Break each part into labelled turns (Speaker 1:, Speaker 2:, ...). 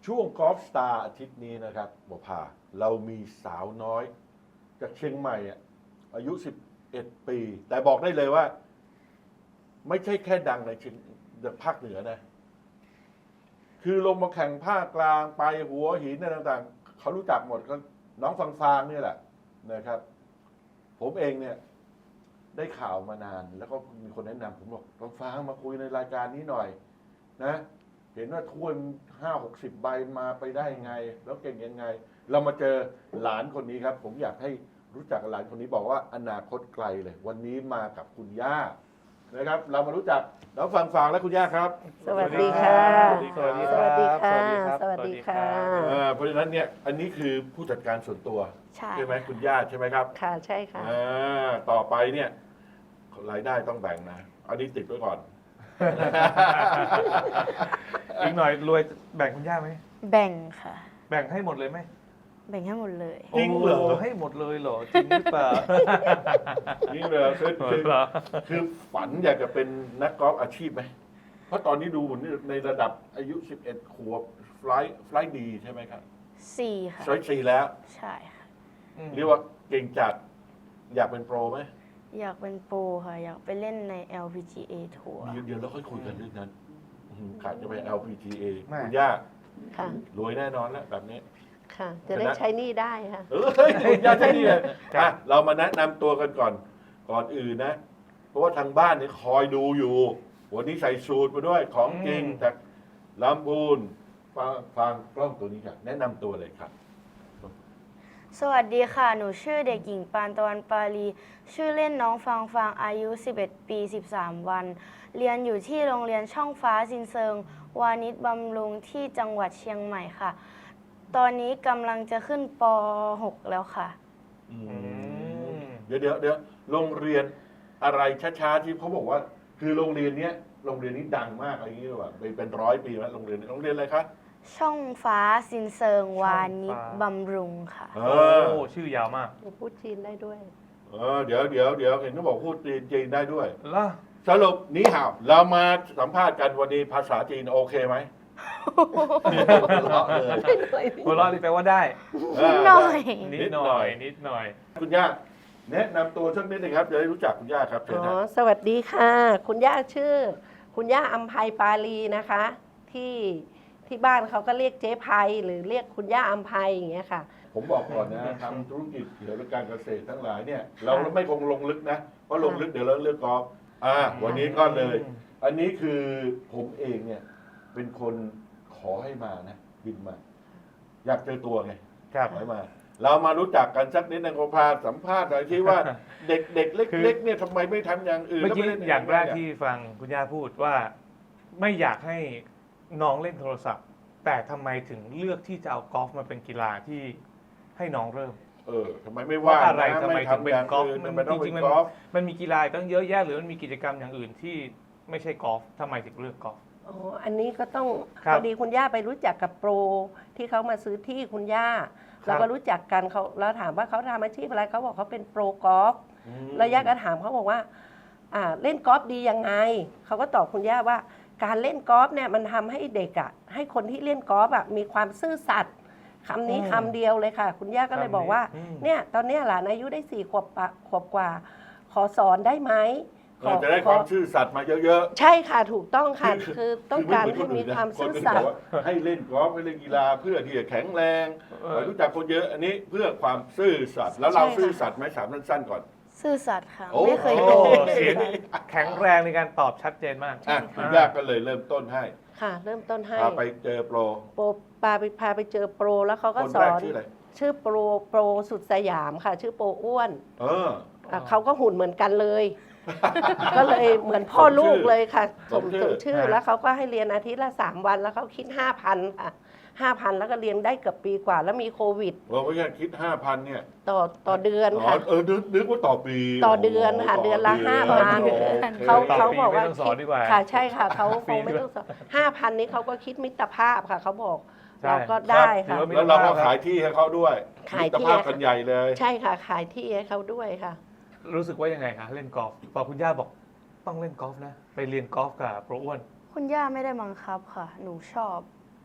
Speaker 1: ช่วงกอล์ฟสตาร์อาทิตย์นี้นะครับหมอพาเรามีสาวน้อยจากเชียงใหม่อายุ 11 ปี แต่บอกได้เลยว่า ไม่ใช่แค่ดังในภาคเหนือนะ คือลงมาแข่งภาคกลางไปหัวหินอะไรต่างๆ เขารู้จักหมดก็น้องฟางๆนี่แหละนะครับ ผมเองเนี่ย ได้ข่าวมานาน แล้วก็มีคนแนะนำผมบอกฟางมาคุยในรายการนี้หน่อย นะ เห็นว่าถ้วย50-60 ใบมาไปได้ยังไง แล้วเก่งยังไง เรามาเจอหลานคนนี้ครับ ผมอยากให้รู้จักกับหลานคนนี้บอกว่าอนาคตไกลเลย วันนี้มากับคุณย่านะครับ เรามารู้จักน้องฟางและคุณย่าครับ
Speaker 2: สวัสดีค่ะ
Speaker 3: สวัสดีครับ
Speaker 2: สวัสดีค่ะ
Speaker 3: สวัสดีครับ
Speaker 1: เพราะฉะนั้นเนี่ยอันนี้คือผู้จัดการส่วนตัว
Speaker 2: ใช่
Speaker 1: ไหมคุณย่าใช่ไหมครับ
Speaker 2: ค่ะใช่ค่ะ
Speaker 1: ต่อไปเนี่ยรายได้ต้องแบ่งนะอันนี้ติดไว้ก่อน
Speaker 3: อีกหน่อยรวยแบ่งคุณย่าไหม
Speaker 2: แบ่งค่ะ
Speaker 3: แบ่งให้หมดเลยไหม
Speaker 2: แบ่งให้หมดเลย
Speaker 1: จริงเหรอ
Speaker 3: โให้หมดเลยเหรอจริงหรือเปล่า
Speaker 1: นี่เลยคือฝันอยากจะเป็นนักกอล์ฟอาชีพไหมเพราะตอนนี้ดูในระดับอายุ 11 ขวบไฟล์ดีใช่ไหมครับ
Speaker 2: 4 ค่ะ
Speaker 1: ไฟล์4แล้ว
Speaker 2: ใช่ค่ะ
Speaker 1: เรียกว่าเก่งจัดอยากเป็นโปรไหม
Speaker 2: อยากเป็นโปรค่ะ อยากไปเล่นใน LPGA ทัวร์
Speaker 1: เดี๋ยวเราค่อยคุยกันเรื่องนั้นขาดจะไป LPGA
Speaker 3: ไม่
Speaker 1: คุณย่า
Speaker 2: ค่ะ
Speaker 1: รวยแน่นอนแล้วแบบนี้
Speaker 2: ค่ะ จะได้ใช้หนี้ได้ค่ะ
Speaker 1: เฮ้ยคุณย่าใช่นี่เลยเรามาแนะนำตัวกันก่อนอื่นนะ เพราะว่าทางบ้านนี่คอยดูอยู่ วันนี้ใส่สูตรมาด้วยของจริงจากลำพูนฟังกล้องตัวนี้ครับแนะนำตัวเลยครับ
Speaker 2: สวัสดีค่ะ หนูชื่อเด็กหญิงปานตะวันปาลี ชื่อเล่นน้องฟางอายุ 11 ปี 13 วัน เรียนอยู่ที่โรงเรียนช่องฟ้าซินเซิง วานิชบำรุงที่จังหวัดเชียงใหม่ค่ะ ตอนนี้กำลังจะขึ้นป .6 แล้วค่ะ
Speaker 1: เดี๋ยวโรงเรียนอะไรช้าๆที่เขาบอกว่า คือโรงเรียนนี้ดังมากอะไรอย่างนี้หรือเปล่าเป็น100 ปีแล้วโรงเรียนอะไรคะ
Speaker 2: ช่องฟ้าซินเซิง วานิชบำรุงค่ะ
Speaker 3: โอ้ชื่อยาวมาก
Speaker 2: พูดจีนได้ด้วย
Speaker 1: เดี๋ยวเห็นเขาบอกพูดจีนได้ด้วย
Speaker 3: ล่ะ
Speaker 1: สรุปนี้ห่าวเรามาสัมภาษณ์กันวันนี้ภาษาจีนโอเคไหม
Speaker 3: หัวเราะนี่แปลว่าได้
Speaker 2: นิดหน่อย
Speaker 3: นิดหน่อยนิดหน่อย
Speaker 1: คุณย่าแนะนำตัวสักนิดหนึงครับจะได้รู้จักคุณย่าครับเชิญ
Speaker 4: อ๋
Speaker 1: นะ
Speaker 4: อสวัสดีค่ะ คุณย่าชื่อ คุณย่าอัมภัยปาลีนะคะ ที่บ้านเขาก็เรียกเจ๊ภัยหรือเรียกคุณย่าอัมภัยอย่างเงี้ยค่ะ
Speaker 1: ผมบอกก่อนนะทำธุรกิจเกี่ยวกับการเกษตรทั้งหลายเนี่ย เราไม่คงลงลึกนะเพราะลงลึกเดี๋ยวเราเลือกกอล์ฟวันนี้ก็เลย อันนี้คือผมเองเนี่ย เป็นคนขอให้มานะบินมา อยากเจอตัวไง
Speaker 3: ครับ
Speaker 1: ขอให้มา เรามารู้จักกันสักนิดนึงผมพาสัมภาษณ์หน่อยที่ว่า เด็กๆเล็กๆเนี่ยทำไมไม่ทำอย่างอื่น
Speaker 3: เมื่อกี้
Speaker 1: แล้วไม่เล่น
Speaker 3: อย่างแรก
Speaker 1: เนี่ย
Speaker 3: ที่ฟังคุณย่าพูดว่า ไม่อยากให้น้องเล่นโทรศัพท์ แต่ทำไมถึงเลือกที่จะเอากอล์ฟมาเป็นกีฬาที่ให้น้องเริ่ม
Speaker 1: ทำไมไม่ว่า
Speaker 3: เพราะอะไร
Speaker 1: นะ
Speaker 3: ทำไมถึงเป็น
Speaker 1: ย่าก
Speaker 3: อล์ฟ
Speaker 1: อื่น
Speaker 3: มัน
Speaker 1: ทำไมต้อง
Speaker 3: จริ
Speaker 1: เป็น
Speaker 3: งๆ
Speaker 1: กอล์ฟ
Speaker 3: มันมีกีฬาตั้งเยอะแยะหรือมันมีกิจกรรมอย่างอื่นที่ไม่ใช่กอล์ฟทำไมถึงเลือกกอล์ฟ
Speaker 4: อ๋อ อันนี้ก็ต้อง
Speaker 3: ครับ
Speaker 4: พอดีคุณย่าไปรู้จักกับโปรที่เขามาซื้อที่คุณย่า
Speaker 3: ครับ
Speaker 4: เราก็รู้จักกันเขาเราถามว่าเขาทำอาชีพอะไรเขาบอกเขาเป็นโปรกอล์ฟแล้วย่าก็ถามเขาบอกว่าเล่นกอล์ฟดียังไงเขาก็ตอบคุณย่าว่าการเล่นกอล์ฟเนี่ยมันทำให้เด็กให้คนที่เล่นกอล์ฟมีความซื่อสัตย์คำนี้คำเดียวเลยค่ะ คุณย่าก็เลยบอกว่า เนี่ยตอนเนี้ยหลานอายุได้4 ขวบกว่า ขอสอนได้ไหม
Speaker 1: จะได้ความซื่อสัตย์มาเยอะๆ
Speaker 4: ใช่ค่ะถูกต้องค่ะ คือต้องการให้มีความซื่อสัตย์
Speaker 1: ให้เล่นกอล์ฟให้เล่นกีฬาเพื่อที่จะแข็งแรงรู้จักคนเยอะอันนี้เพื่อความซื่อสัตย์แล้วเราซื่อสัตย์ไหมถามสั้นๆก่อน
Speaker 2: ซื่อสัตย์ค่ะ
Speaker 1: โอ้
Speaker 2: ไม่เคย
Speaker 3: โอ้
Speaker 2: โกหก
Speaker 3: เสียงแข็งแรงในการตอบชัดเจนมาก
Speaker 1: คุณย่าก็เลยเริ่มต้นให้
Speaker 4: ค่ะ เริ่มต้นให้
Speaker 1: พาไปเจอโปร
Speaker 4: พาไปเจอโปรแล้วเขาก็
Speaker 1: คน
Speaker 4: ส
Speaker 1: แร
Speaker 4: อก น
Speaker 1: ชื่ออะไร
Speaker 4: ชื่อโปรสุดสยามค่ะ ชื่อโปรอ้วน
Speaker 1: เออ
Speaker 4: เขาก็หุ่นเหมือนกันเลย ก็เลยเหมือนพ่อลูกเลยค่ะสมชื่อแล้วเขาก็ให้เรียนอาทิตย์ละ3 วันแล้วเขาคิด 5,000 ค่ะ 5,000 แล้วก็เรียนได้เกือบปีกว่า แล้วมีโควิด
Speaker 1: เราไม่ใช่คิด 5,000 เนี่ย
Speaker 4: ต่อเดือนค่ะ
Speaker 1: นึกว่าต่อปี
Speaker 4: ต่อเดือนค่ะเดือนละ5,000 เขาบอกว่า
Speaker 3: ไม่ต้องสอนดีกว่า
Speaker 4: ค่ะใช่ค่ะเขาคงไม่ต้องสอน5,000 นี้เขาก็คิดมิตรภาพค่ะเขาบอก
Speaker 3: ใช่
Speaker 4: เราก็ได้ค่ะ
Speaker 3: ถือว่า
Speaker 1: แล้วเราก็ขายที่ให้เขาด้วย
Speaker 4: ขายที่
Speaker 1: มิตรภาพกันใหญ่เลย
Speaker 4: ใช่ค่ะขายที่ให้เขาด้วยค่ะ
Speaker 3: รู้สึกว่ายังไงคะเล่นกอล์ฟพอคุณย่าบอกต้องเล่นกอล์ฟนะ ไปเรียนกอล์ฟกับโปรอ้วน
Speaker 2: คุณย่าไม่ได้บังคับค่ะ หนูชอบ
Speaker 1: ท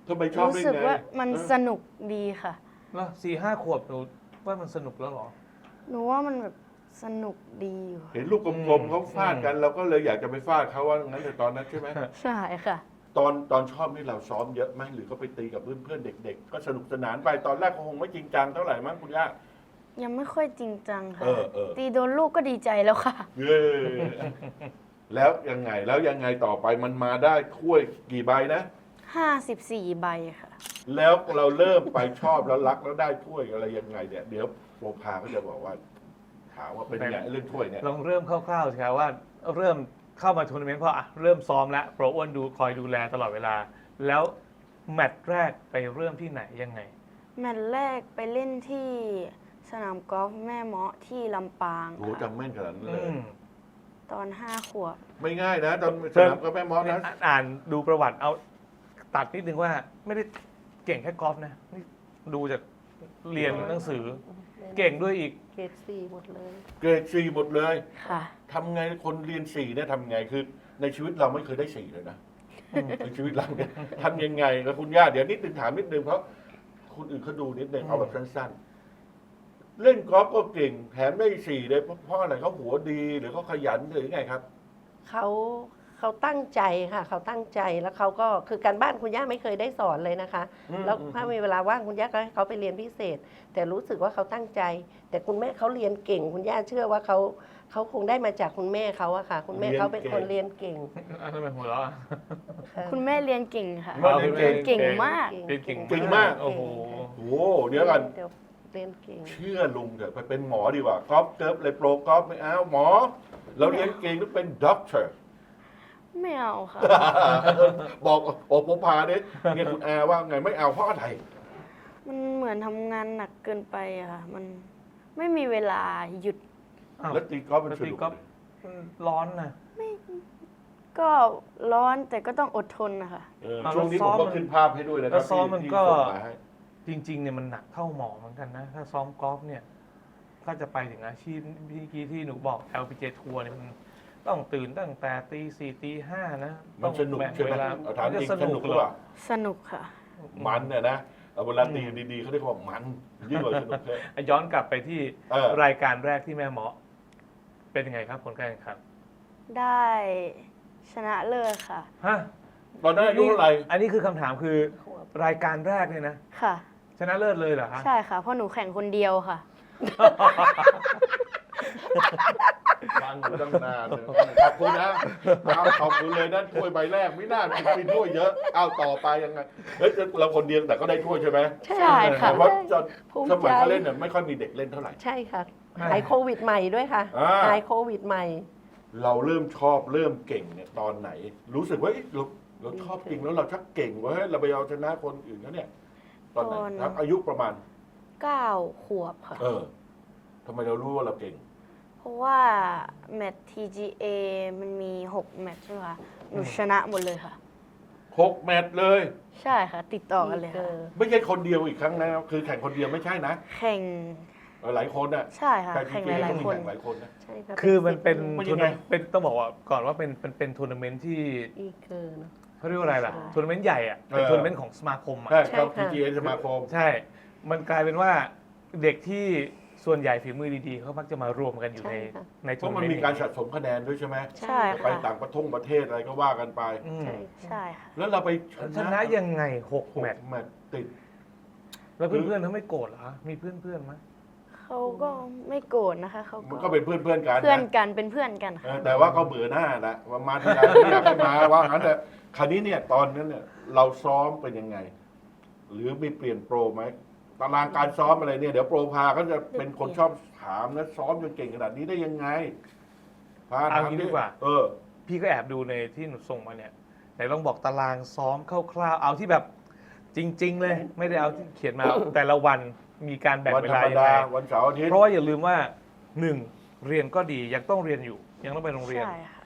Speaker 1: ทำไมชอบ
Speaker 2: รู้
Speaker 1: ได้
Speaker 2: สึก
Speaker 1: ไง
Speaker 2: ว่ามัน
Speaker 1: เออ
Speaker 2: สนุกดีค่ะ
Speaker 3: แล้ว4-5 ขวบหนูว่ามันสนุกแล้วเหรอ
Speaker 2: หนูว่ามันแบบสนุกดีอยู่ค่ะ
Speaker 1: เห็นลูกกลมๆเขาฟาดกันเราก็เลยอยากจะไปฟาดเขาว่างั้นแต่ตอนนั้นใช่ไหม
Speaker 2: ใช่ค่ะ
Speaker 1: ตอนชอบนี่เราซ้อมเยอะไหมหรือก็ไปตีกับเพื่อนๆเด็ก ๆ ก็สนุกสนานไปตอนแรกก็คงไม่จริงจังเท่าไหร่มั้งคุณย่า
Speaker 2: ยังไม่ค่อยจริงจังค่ะ
Speaker 1: เออ
Speaker 2: ตีโดนลูกก็ดีใจแล้วค่ะ
Speaker 1: เย้แล้วยังไงต่อไปมันมาได้ถ้วยกี่ใบนะ
Speaker 2: 54 ใบค่ะ
Speaker 1: แล้วเราเริ่มไปชอบแล้วรักแล้วได้ถ้วยอะไรยังไงเนี่ยเดี๋ยวโปรพาก็จะบอกว่า ถามว่าเป็นยังไงเรื่องถ้วยเนี่ย
Speaker 3: ลองเริ่มคร่าวๆสิครับว่าเริ่มเข้ามาทัวร์นาเมนต์เพราะเริ่มซ้อมแล้วโปรอ้วนคอยดูแลตลอดเวลา แล้วแมตช์แรกไปเริ่มที่ไหนยังไง
Speaker 2: แมตช์แรกไปเล่นที่สนามกอล์ฟแม่เมาะที่ลำปาง
Speaker 1: โอ้โห
Speaker 2: ค่ะ
Speaker 1: จำแม่นขนาดนั้น
Speaker 3: อื
Speaker 1: เลย
Speaker 3: ม
Speaker 2: ตอน 5 ขวบ
Speaker 1: ไม่ง่ายนะตอนสนามก็แม่มอสนะ
Speaker 3: อ่านดูประวัติเอาตัดนิดนึงว่าไม่ได้เก่งแค่กอล์ฟนะนี่ดูจากเรียนหนังสือ เก่งด้วยอีก
Speaker 4: เกรด4หมดเลย
Speaker 1: เกรดสี่หมดเลย
Speaker 2: ค่ะ
Speaker 1: ทำไงคนเรียนสี่เนี่ยทำไงคือในชีวิตเราไม่เคยได้สี่เลยนะในชีวิตเราเนี่ยทำยังไงกับคุณย่าเดี๋ยวนิดนึงถามนิดนึงเพราะคนอื่นเขาดูนิดนึงเอาแบบสั้นๆ เล่นกอล์ฟก็เก่งแถมได้สี่เลยเพราะอะไรเขาหัวดีหรือเขาขยันหรือไงครับ
Speaker 4: เขาตั้งใจค่ะเขาตั้งใจแล้วเขาก็คือการบ้านคุณย่าไม่เคยได้สอนเลยนะคะ แล้วถ้ามีเวลาว่างคุณย่าก็ให้เขาไปเรียนพิเศษ แต่รู้สึกว่าเขาตั้งใจ แต่คุณแม่เขาเรียนเก่ง คุณย่าเชื่อว่าเขาคงได้มาจากคุณแม่เขาอะค่ะ คุณแม่เขาเป็นคนเรียนเก่ง
Speaker 3: อันนั้นเป็นหัวเราะอะ
Speaker 4: ค่ะ
Speaker 2: คุณแม่เรียนเก่งค่ะ
Speaker 1: แม่เรียนเก่ง
Speaker 2: เก่งมาก
Speaker 3: เรียนเก่ง
Speaker 1: เก่งมาก
Speaker 3: โอ้โห
Speaker 1: โอ้โหเดี๋ยวกัน
Speaker 4: เรียนเก่ง
Speaker 1: เชื่อลุงเถอะไปเป็นหมอดีกว่ากอล์ฟเกิร์ฟเลยโปรกอล์ฟไม่เอาหมอ เราเรียนเก่งต้องเป็นด็อกเตอร์
Speaker 2: ไม่เอาค่ะ
Speaker 1: บอกโอปพาเนี่ยเนี่ยคุณอาว่าไงไม่เอาเพราะอะไร
Speaker 2: มันเหมือนทำงานหนักเกินไปอะค่ะ มันไม่มีเวลาหยุด
Speaker 3: อ้าว
Speaker 1: แล้วตีกอล์ฟมันส
Speaker 3: ตี
Speaker 1: นุก
Speaker 3: กอล์ฟ ร้อนนะ
Speaker 2: ก็ร้อนแต่ก็ต้องอดทนนะคะ
Speaker 1: ช่วงนี้ผมก็ขึ้นภาพให้ด้วยนะค
Speaker 3: แล้
Speaker 1: รับ
Speaker 3: วซ้อมมัน
Speaker 1: ที่
Speaker 3: ก็
Speaker 1: ส่งมาให้
Speaker 3: จริงๆเนี่ยมันหนักเท่าหมอเหมือนกันนะ ถ้าซ้อมกอล์ฟเนี่ยถ้าจะไปถึงอาชีพที่ที่หนูบอก LPGA ทัวร์เนี่ยมันต้องตื่นตั้งแต่ตี 4 ตี 5 นะ
Speaker 1: มันสนุก
Speaker 3: แบ่ง
Speaker 1: ใช่ไหม
Speaker 3: เวลา
Speaker 1: เอาถามจริง
Speaker 3: จะ
Speaker 1: สนุกหรือเปล่า
Speaker 2: สนุกค่ะ
Speaker 1: มันเนี่ยนะเอาเวลาตีดีๆเขาเรียกว่ามันยิ่งกว่าสนุกเลย
Speaker 3: ย้อนกลับไปที่
Speaker 1: เออ
Speaker 3: รายการแรกที่แม่หมอ เป็นยังไงครับผลการแข่งขัน
Speaker 2: ได้ชนะเลิศค่ะ
Speaker 3: ฮะ
Speaker 1: ตอนนั้นอายุเท่าไหร่
Speaker 3: อันนี้คือคำถามคือรายการแรกเนี่ยนะ
Speaker 2: ค่ะ
Speaker 3: ชนะเลิศเลยเหรอฮะ
Speaker 2: ใช่ค่ะ เพราะหนูแข่งคนเดียวค่ะ
Speaker 1: ฟังอยู่ตั้งนานเลยขอบคุณนะเอาขอบคุณเลยนั่นถ้วยใบแรกไม่น่ามีถ้วยเยอะเอาต่อไปยังไงเฮ้ยเราคนเดียวแต่ก็ได้ถ้วยใช่ไหม
Speaker 2: ใช่ค่ะ
Speaker 1: แต่ว่าจะ
Speaker 4: ภูมิ
Speaker 1: สมัย
Speaker 4: ใจ
Speaker 1: เขาเล่นเนี่ยไม่ค่อยมีเด็กเล่นเท่าไหร่
Speaker 4: ใช่ค่ะหายโควิดใหม่ด้วยค่ะ
Speaker 1: อ่า
Speaker 4: หายโควิดใหม่
Speaker 1: เราเริ่มชอบเริ่มเก่งเนี่ยตอนไหน รู้สึกว่าเอ๊ะเราชอบจริงแล้วเราชักเก่งเว่าเราไปเอาชนะคนอื่นเขาเนี่ย ตอนไหน
Speaker 2: ตอน
Speaker 1: ครับอายุประมาณ
Speaker 2: 9 ขวบค่ะ
Speaker 1: ทำไมเรารู้ว่าเราเก่ง
Speaker 2: เพราะว่าแมตช์ TGA มันมี 6 แมตช์ใช่ไหมคะหนูชนะหมดเลยค่ะ
Speaker 1: 6 แมตช์เลย
Speaker 2: ใช่ค่ะ ติดต่อกันเลยค่ะ
Speaker 1: ไม่ใช่คนเดียวอีกครั้งนะคือแข่งคนเดียวไม่ใช่นะ
Speaker 2: แข่ง
Speaker 1: หลายคนน่ะ
Speaker 2: ใช่ค่ะ
Speaker 1: แต่
Speaker 2: แข่ง
Speaker 1: TGA
Speaker 2: หลาย
Speaker 1: ก็มี
Speaker 2: ๆคน
Speaker 1: แข่งหลายคนนะ
Speaker 4: ใช่ค่ะ
Speaker 3: คือมันเป็น
Speaker 1: มัน
Speaker 3: ทั
Speaker 1: ยั
Speaker 3: วร์
Speaker 1: งไง
Speaker 3: นาเมนต์เป็นต้องบอกว่าก่อนว่าเป็นทัวร์นาเมนต์ที่
Speaker 4: อีเกิน
Speaker 3: เขาเรียกว่าอะไรล่ะ
Speaker 4: ใช่
Speaker 3: ทัวร์นาเมนต์ใหญ่อะเป็นทัวร์นาเมนต์ของสมาคมอะ
Speaker 1: ใช่ครับ
Speaker 4: ใช่ค่ะ
Speaker 1: TGA สมาคม
Speaker 3: ใช่ มันกลายเป็นว่าเด็กที่ส่วนใหญ่ฝีมือดีๆเขามักจะมารวมกันอยู่ใน
Speaker 4: ใช่ค่ะ
Speaker 3: ใน
Speaker 1: เพ
Speaker 3: ทัวร์
Speaker 1: ราะ
Speaker 3: นา
Speaker 1: มัน
Speaker 3: เมนต์
Speaker 1: มีการสะสมคะแนนด้วยใช่ไหม
Speaker 2: ใช่
Speaker 1: ไป
Speaker 2: ค่ะ
Speaker 1: ต่างประเทศอะไรก็ว่ากันไป
Speaker 3: อืม
Speaker 4: ใช่
Speaker 2: ใช่ค่ะ
Speaker 1: แล้วเราไป
Speaker 3: ชนะยังไง6 แมตช์
Speaker 1: แมตช์ติด
Speaker 3: แล้วเพื่อนๆเขาไม่โกรธเหรอมีเพื่อนๆไหม
Speaker 2: เขาก็ไม่โกรธนะคะเขา
Speaker 1: มัน
Speaker 2: ก็
Speaker 1: ก็เป็นเพื่อนกัน
Speaker 2: เพื่อน
Speaker 1: นะ
Speaker 2: กันเป็นเพื่อนกัน
Speaker 1: เอ
Speaker 2: ค่ะ
Speaker 1: อแต่ว่าเขาเบื่อหน้านะว่ามาทีไรไม่อยากให้มาว่างั้นแต่คราวนี้เนี่ยตอนนั้นเนี่ยเราซ้อมเป็นยังไง หรือมีเปลี่ยนโปรไหมตารางการซ้อมอะไรเนี่ยเดี๋ยวโปรพาเขาจะเป็นคนชอบถามนะซ้อมจนเก่งขนาดนี้ได้ยังไงพา
Speaker 3: เอา
Speaker 1: ถาม
Speaker 3: งี้
Speaker 1: ดิ
Speaker 3: ดีกว่า
Speaker 1: เออ
Speaker 3: พี่ก็แอบดูในที่หนูส่งมาเนี่ยไหนลองบอกตารางซ้อมคร่าวๆเอาที่แบบจริง ๆ เลย ไม่ได้เอาที่เขียนมา แต่ละวันมีการแบ่ง
Speaker 1: วัน
Speaker 3: เว
Speaker 1: ธร
Speaker 3: ลาร
Speaker 1: ม
Speaker 3: ยัง
Speaker 1: ดา
Speaker 3: ไง
Speaker 1: วันเสาร์อาทิตย์
Speaker 3: เพราะว่าอย่าลืมว่า 1. เรียนก็ดียังต้องเรียนอยู่ ยังต้องไปโรงเรียน
Speaker 2: ใช่ค่ะ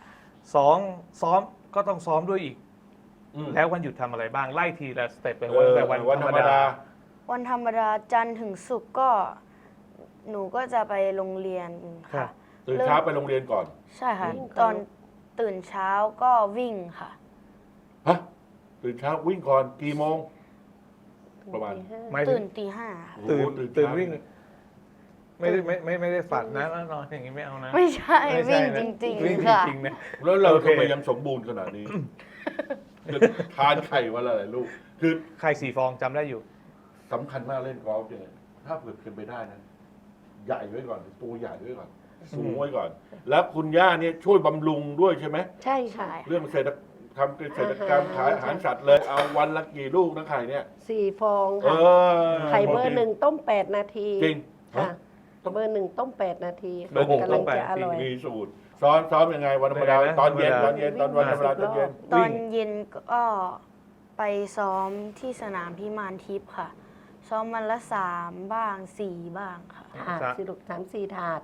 Speaker 3: 2. ซ้อมก็ต้องซ้อมด้วยอีก
Speaker 1: อืม
Speaker 3: แล้ววันหยุดทำอะไรบ้างไล่ทีละสเต็ปเป็น
Speaker 1: เออ
Speaker 3: แต่วันธรรมดา
Speaker 2: วันธรรมดาจันทร์ถึงศุกร์ก็หนูก็จะไปโรงเรียน
Speaker 3: ครั
Speaker 2: ค่ะ
Speaker 3: บ
Speaker 1: ตื่นเช้าไปโรงเรียนก่อน
Speaker 2: ใช่ค่ะ
Speaker 4: วิ่งก่อน
Speaker 2: ตอนตื่นเช้าก็วิ่งค่ะ
Speaker 1: ฮะตื่นเช้าวิ่งก่อนกี่โมงประมาณ
Speaker 4: ตีห้
Speaker 3: หมายถึ
Speaker 2: ตื่
Speaker 3: ง
Speaker 2: นตีห้าค่ะ
Speaker 1: โอ้โห
Speaker 3: ตื่น
Speaker 1: เช้า
Speaker 3: วิ่ง ไม่ได้ฝันนะแล้วนอนอย่างนี้ไม่เอานะ
Speaker 2: ไม่ใช่
Speaker 3: ไม่
Speaker 2: วิ่
Speaker 3: ใช่
Speaker 2: ง
Speaker 3: นะ
Speaker 2: จริง
Speaker 3: วิ่ง
Speaker 2: ๆค่ะ
Speaker 3: จริงๆนะ
Speaker 1: แล้วเรา
Speaker 3: โอเค
Speaker 1: ทำไมยังสมบูรณ์ขนาดนี้ทานไข่วันละหลายลูก คือ
Speaker 3: ไข่4 ฟองจำได้อยู่
Speaker 1: สำคัญมากเล่นกอล์ฟเนี่ยถ้าเกิดเป็นไปได้นะใหญ่ไว้ก่อนตัวใหญ่ไว้ก่อน สูงไว้ก่อน แล้วคุณย่าเนี่ยช่วยบำรุงด้วยใช่ไหม
Speaker 4: ใช่ค่ะ
Speaker 2: ใช่
Speaker 1: เรื่องเศรษฐทำเศรษฐกรรมขายอาหารสัตว์เลยเอาวันละกี่ลูกนะไข่เนี่ย
Speaker 4: 4 ฟอง
Speaker 1: เอ
Speaker 4: ค่ะ
Speaker 1: อ
Speaker 4: ไข่เบอร์ 1 ต้ม 8 นาที
Speaker 1: จริง
Speaker 4: ค่ะ
Speaker 1: ต้อง
Speaker 4: เบอร์ 1 ต้ม 8 นาที
Speaker 3: เบอร์หนึ่ง
Speaker 4: กำ
Speaker 3: ต้
Speaker 4: ลัง
Speaker 3: ม8
Speaker 4: จะอร่อย
Speaker 1: มีสูตรซ้อมยังไงวันธรรมดา
Speaker 3: ยังไงนะ
Speaker 1: ตอนเย็น
Speaker 3: ธรรมดา
Speaker 1: ตอนวันธรรมดาตอนเย็น
Speaker 2: ตอนเย็นก็ไปซ้อมที่สนามพิมานทิพย์ค่ะ ซ้อมวันละ3 บ้าง 4 บ้างค่ะ
Speaker 4: ถาดสิลูก3-4 ถาด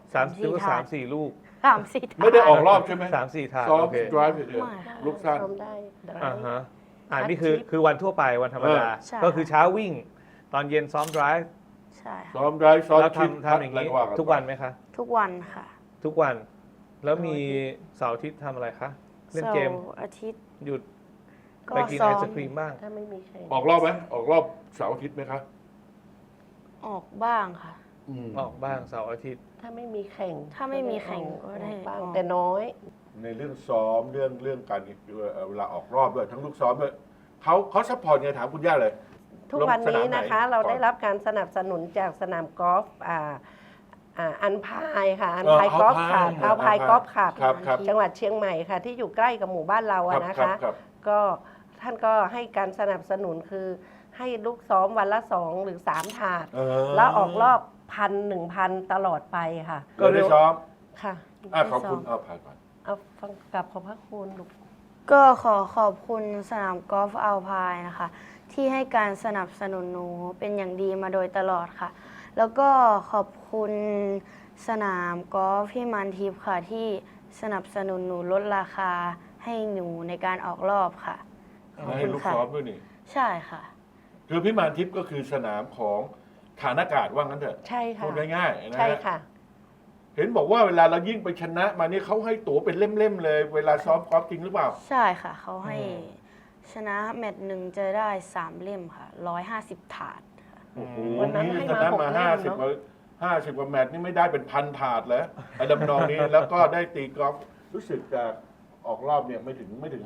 Speaker 3: 3-4 ลูก
Speaker 2: 3-4
Speaker 1: ไม่ได้ออกรอบใช่ไหม
Speaker 3: 3-4 ถาด
Speaker 1: ซ้อม
Speaker 3: โอเค
Speaker 1: ดรายไปเดียว
Speaker 2: ไม่ค่ะ
Speaker 1: ลูกสั้น
Speaker 4: ซ้อมได้ได้
Speaker 3: อ่าฮะ
Speaker 4: คัด
Speaker 3: นี่คือ
Speaker 4: ชิป
Speaker 3: คือวันทั่วไปวันธรรมดา
Speaker 2: ใช่
Speaker 3: ก็คือเช้าวิ่ง ตอนเย็นซ้อม drive
Speaker 2: ใช่ค่ะ
Speaker 1: ซ้อมดรายซ้อม
Speaker 3: แล้ว
Speaker 1: ชิป
Speaker 3: ทำอย่างนี้
Speaker 1: ะไรา
Speaker 3: ทุกวันไหมคะ
Speaker 2: ทุกวันค่ะ
Speaker 3: ทุกวัน แล้วมีเสาร์อาทิตย์ทำอะไรคะ เล่นเกม
Speaker 2: เสาร์อาทิตย์
Speaker 3: หยุด
Speaker 2: ก็
Speaker 3: ไปกิน
Speaker 2: ซ้
Speaker 3: ไอ
Speaker 2: อม
Speaker 3: ศครีมบ้าง
Speaker 4: ถ้าไม่มีใคร
Speaker 1: ออกรอบไหมออกรอบเสาร์อาทิตย์ไหมครับ
Speaker 2: ออกบ้างค่ะ
Speaker 3: ออกบ้างเสาร์อาทิตย์
Speaker 4: ถ้าไม่มีแข่ง
Speaker 2: ถ้าไม่มีแข่งก็ได้
Speaker 4: บ้าง
Speaker 2: ออก
Speaker 4: แต่น้อย
Speaker 1: ในเรื่องซ้อมเรื่องการเวลาออกรอบด้วยทั้งลูกซ้อมด้วยเขาซัพพอร์ตไงถามคุณย่าเลย
Speaker 4: ทุกวันนี้นะคะ
Speaker 1: ลงสนามไหน
Speaker 4: เราได้รับการสนับสนุนจากสนามกอล์ฟอันพายค่ะ อันพายกอล์ฟค่ะเอาพายกอล์ฟค่ะ
Speaker 1: ครับครับ
Speaker 4: จังหวัดเชียงใหม่ค่ะ ที่อยู่ใกล้กับหมู่บ้านเราอะนะ
Speaker 1: ครั
Speaker 4: คะ
Speaker 1: ครับ
Speaker 4: ก็ท่านก็ให้การสนับสนุนคือให้ลูกซ้อมวันละ 2 หรือ 3 ถาด แล้วออกรอบ1,000 ตลอดไปค่ะ
Speaker 1: ก็ได้ซ้อม
Speaker 4: ค่ะ
Speaker 1: ขอบคุณเอาผ่านก่อน
Speaker 4: เอาฟังกลับขอบพระคุณลูก
Speaker 2: ก็ขอบคุณสนามกอล์ฟอัลพายนะคะ ที่ให้การสนับสนุนหนูเป็นอย่างดีมาโดยตลอดค่ะ แล้วก็ขอบคุณสนามกอล์ฟพิมานทิพย์ค่ะ ที่สนับสนุนหนูลดราคาให้หนูในการออกรอบค่ะ ขอบ
Speaker 1: ให้
Speaker 2: คุณ
Speaker 1: ลูก
Speaker 2: ค่ะ
Speaker 1: ซ้อมด้วยนี่
Speaker 2: ใช่ค่ะ
Speaker 1: คือพิมานทิพย์ก็คือสนามของฐานอากาศว่างั้นเถอะ
Speaker 4: ใช่ค่ะ
Speaker 1: พูดง่ายๆนะ
Speaker 4: ใช่
Speaker 1: ฮะ
Speaker 4: ค่ะ
Speaker 1: เห็นบอกว่าเวลาเรายิ่งไปชนะมานี่เขาให้ตั๋วเป็นเล่มๆเลย เวลาซ้อมกอล์ฟจริงหรือเปล่า
Speaker 2: ใช่ค่ะ เขาให้
Speaker 1: อืม
Speaker 2: ชนะแมตช์หนึ่งจะได้3 เล่มค่ะ 150 ถาด
Speaker 1: โอ้โห
Speaker 4: วันนั้น
Speaker 1: นี่
Speaker 4: ให้
Speaker 1: ช
Speaker 4: มา
Speaker 1: นะ
Speaker 4: หก
Speaker 1: มา
Speaker 4: เล่ม
Speaker 1: 50
Speaker 4: เนอะ
Speaker 1: กว่า50 กว่าแมตช์นี่ไม่ได้เป็นพันถาดแล้วไอ้ดำนองนี้ แล้วก็ได้ตีกอล์ฟรู้สึกจะออกรอบเนี่ยไม่ถึง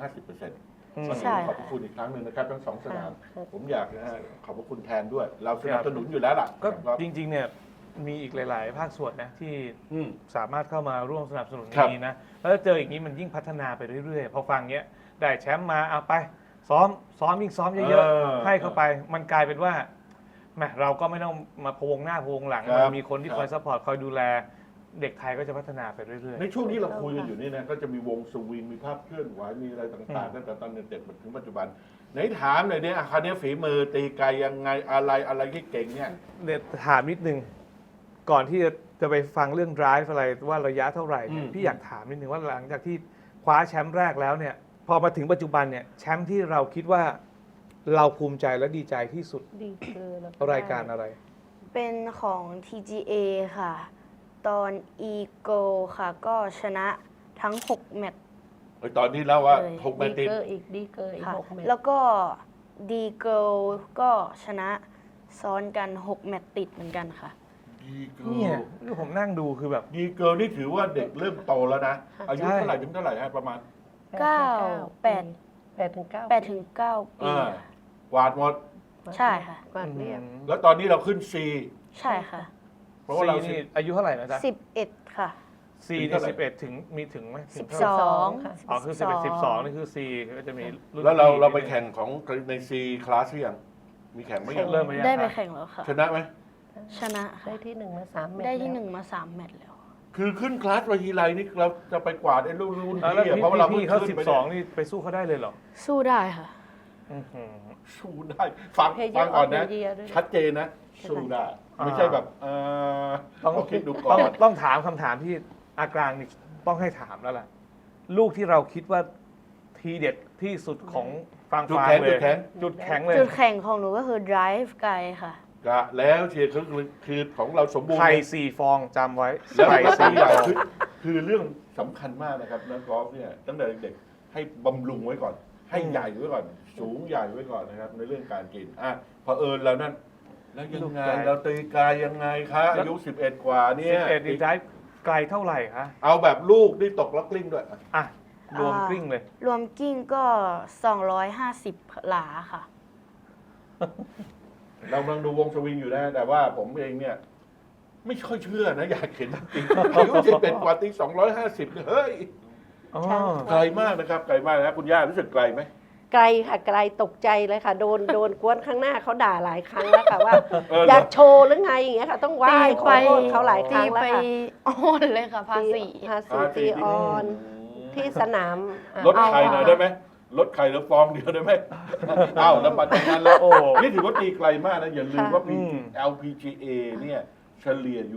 Speaker 1: 50%
Speaker 2: ใช่
Speaker 1: ขอบพระคุณอีกครั้งหนึ่งนะครับทั้งสองสนาม
Speaker 4: ค่ะ
Speaker 1: ผมอยากนะฮะขอบพระคุณแทนด้วย เราสนับสนุนอยู่แล้วล่ะ
Speaker 3: ก็
Speaker 1: ครับ
Speaker 3: จริงๆเนี่ยมีอีกหลาย ๆ ภาคส่วนนะที่
Speaker 1: อืม
Speaker 3: สามารถเข้ามาร่วมสนับสนุน
Speaker 1: ครับ
Speaker 3: นี้นะ แล้วเจออย่างนี้มันยิ่งพัฒนาไปเรื่อย ๆ พอฟังเงี้ยได้แชมป์มาเอาไป ซ้อมยิ่งซ้อมเยอะๆ ให้เข้าไปมันกลายเป็นว่าแหมเราก็ไม่ต้องมาพะวงหน้าพะวงหลัง
Speaker 1: ครับ
Speaker 3: มันมีคนที่คอยซัพพอร์ตคอยดูแล เด็กไทยก็จะพัฒนาไปเรื่อย
Speaker 1: ในช่วงที่เราคุยกันอยู่นี่นะก็จะมีวงสวิงมีภาพเคลื่อนไหวมีอะไรต่างๆตั้งแต่ตอนเด็กๆมาถึงปัจจุบันไหนถามหน่อยเนี่ยอาคารนี้ฝีมือตีไกลยังไงอะไรที่เก่งเนี่ย
Speaker 3: ๆเดี๋ยวถามนิดนึง ก่อนที่จะไปฟังเรื่อง drive อะไรว่าระยะเท่าไหร่เนี่ยพี่อยากถามนิดนึงว่าหลังจากที่คว้าแชมป์แรกแล้วเนี่ยพอมาถึงปัจจุบันเนี่ยแชมป์ที่เราคิดว่าเราภูมิใจและดีใจที่สุด
Speaker 4: ดีเกินแล้ว
Speaker 3: รายการอะไร
Speaker 2: เป็นของ TGA ค่ะ ตอน Eagle ค่ะ ก็ชนะทั้ง 6 แมตช์
Speaker 1: ตอนนี้แล้วว่า
Speaker 2: เลย
Speaker 1: 6 แม
Speaker 4: ดี
Speaker 1: ตช์ติด
Speaker 4: เกอร์อีกดีเกอร์อีก
Speaker 2: ค่ะ
Speaker 4: 6 เมตร
Speaker 2: แล้วก็ดีเกิลก็ชนะซ้อนกัน 6 แมตช์ติดเหมือนกันค่ะ
Speaker 1: ดีเกิ
Speaker 3: เนี่ย
Speaker 1: ล
Speaker 3: ผมนั่งดูคือแบบ
Speaker 1: ดีเกิลนี่ถือว่าเด็กเริ่มโตแล้วนะ อายุ
Speaker 3: ใช่
Speaker 1: เท่าไหร่ถึงเท่าไหร่ฮะประมาณ
Speaker 4: 8 ถึง 9
Speaker 2: 8 ถึง 9 ปี
Speaker 1: อ่า กวาดหมด
Speaker 2: ใช่ค่ะ
Speaker 4: กวาดเรียบ
Speaker 1: แล้วตอนนี้เราขึ้น C
Speaker 2: ใช่ค่ะ
Speaker 1: เพราะว่าเรา
Speaker 3: ซีนี่อายุเท่าไหร่นะจ๊ะ
Speaker 2: 11 ค่ะ
Speaker 3: ซี
Speaker 1: ถึง
Speaker 3: นี่
Speaker 1: เท่าไหร่
Speaker 3: 11 ถึงมีถึงไหมถึง
Speaker 2: 12
Speaker 3: เท่าไหร่
Speaker 4: ค่ะ
Speaker 3: อ๋อคือ11 12 นี่คือ C ก็จะมีรุ่น
Speaker 1: แล้วเรา
Speaker 3: พี่
Speaker 1: เราไปแข่งของใน C คลาสหรือยังมีแข่งไหมยัง
Speaker 3: เริ่มไปยัง
Speaker 2: ได้ไป
Speaker 3: คะ
Speaker 2: แข่งแล้วค่ะ
Speaker 1: ชนะไหม
Speaker 2: ชนะ
Speaker 4: ได้
Speaker 2: ค่ะ
Speaker 4: ที่ 1 มา 3 เมตร
Speaker 2: ได้ที่
Speaker 4: แล้ว
Speaker 2: 1 มา 3 แมตช์แล้ว
Speaker 1: คือขึ้นคลาสไปทีไรนี่เราจะไปกวาดไอ้รุ่น
Speaker 3: อ่าแล้ว
Speaker 1: พี่อะเพราะว่าเรา
Speaker 3: พี่
Speaker 1: เพิ่ง
Speaker 3: เขา
Speaker 1: ขึ้นไปเนี่ย
Speaker 3: 12 นี่ไปสู้เขาได้เลยเหรอ
Speaker 2: สู้ได้ค่ะ
Speaker 3: อื้อหือ
Speaker 1: สู้ได้ ฟัง
Speaker 4: เพย์เย
Speaker 1: ฟั
Speaker 4: อง ร์อ
Speaker 1: ก่
Speaker 4: อ
Speaker 1: อน
Speaker 4: ฟเด
Speaker 1: นะ
Speaker 4: อะเยียร์ด้วย
Speaker 1: ชัดเจนนะ สู้ได้
Speaker 3: อ่า
Speaker 1: ไม่ใช่แบบต้องคิดดูก่อน
Speaker 3: ต้องถามคำถามที่อากลางนี่ต้องให้ถามแล้วล่ะ ลูกที่เราคิดว่าทีเด็ดที่สุดของฟัง
Speaker 1: จุด
Speaker 3: ฟาง
Speaker 1: แข็ง
Speaker 3: เล
Speaker 1: จุ
Speaker 3: ย
Speaker 1: ดแข็ง
Speaker 3: จุดแข็งเลย
Speaker 2: จุดแข่งของหนูก็คือ drive ไกลค่ะ
Speaker 1: กะแล้วเชียร์คือของเราสมบูรณ์
Speaker 3: ไข่ 4 ฟองจำไว้
Speaker 1: แล้ว
Speaker 3: ไข่
Speaker 1: ก็ตัวใหญ่
Speaker 3: 4 ฟอง
Speaker 1: คือเรื่องสำคัญมากนะครับนักกอล์ฟเนี่ยตั้งแต่เด็กๆให้บำรุงไว้ก่อนให้ใหญ่ไว้ก่อน สูงใหญ่ไว้ก่อนนะครับ ในเรื่องการกินเผอิญแล้วนั่นแล้วยังไงเราตีกายยังไงคะอายุ11 กว่าเนี่ย
Speaker 3: 11นี่ได้ไกลเท่าไหร่คะ
Speaker 1: เอาแบบลูกที่ตกแล้วกลิ้งด้วย
Speaker 3: อ่ะรวมกลิ้งเลย
Speaker 2: รวมกิ้งก็ 250 หลาค่ะ
Speaker 1: เรากำลังดูวงสวิงอยู่นะ แต่ว่าผมเองเนี่ย ไม่ค่อยเชื่อนะ อยากเห็นจริงๆอายุ11 กว่าตี250เนี่ยเฮ้ย
Speaker 3: อ๋อ
Speaker 1: ไกลมากนะครับไกลมากนะคุณย่ารู้สึกไกลไหม
Speaker 4: ไกลค่ะไกลตกใจเลยค่ะ โดนกวนข้างหน้าเขาด่าหลายครั้งแล้วค่ะว่า
Speaker 1: เหร
Speaker 4: อยากโชว์หรือไงอย่างเงี้ยค่ะ ต้องไหว้ขอโทษเขาหลายค
Speaker 2: ตี
Speaker 4: รั้งแล้ว
Speaker 2: ไป
Speaker 4: ค่ะ
Speaker 2: อ่อนเลยค่ะภาษี
Speaker 4: ภาษีตีออนที่สนาม
Speaker 1: ลดไข่หน่อยได้ไหมลดไข่แล้วฟองเดียวได้ไหมอ้าวแล้วปัจจุบันแล้ว
Speaker 3: โอ้
Speaker 1: นี่ถือว่าตีไกลมากนะ อย่าลืมว่า
Speaker 3: อืม
Speaker 1: LPGA เนี่ยเฉลี่ยอยู่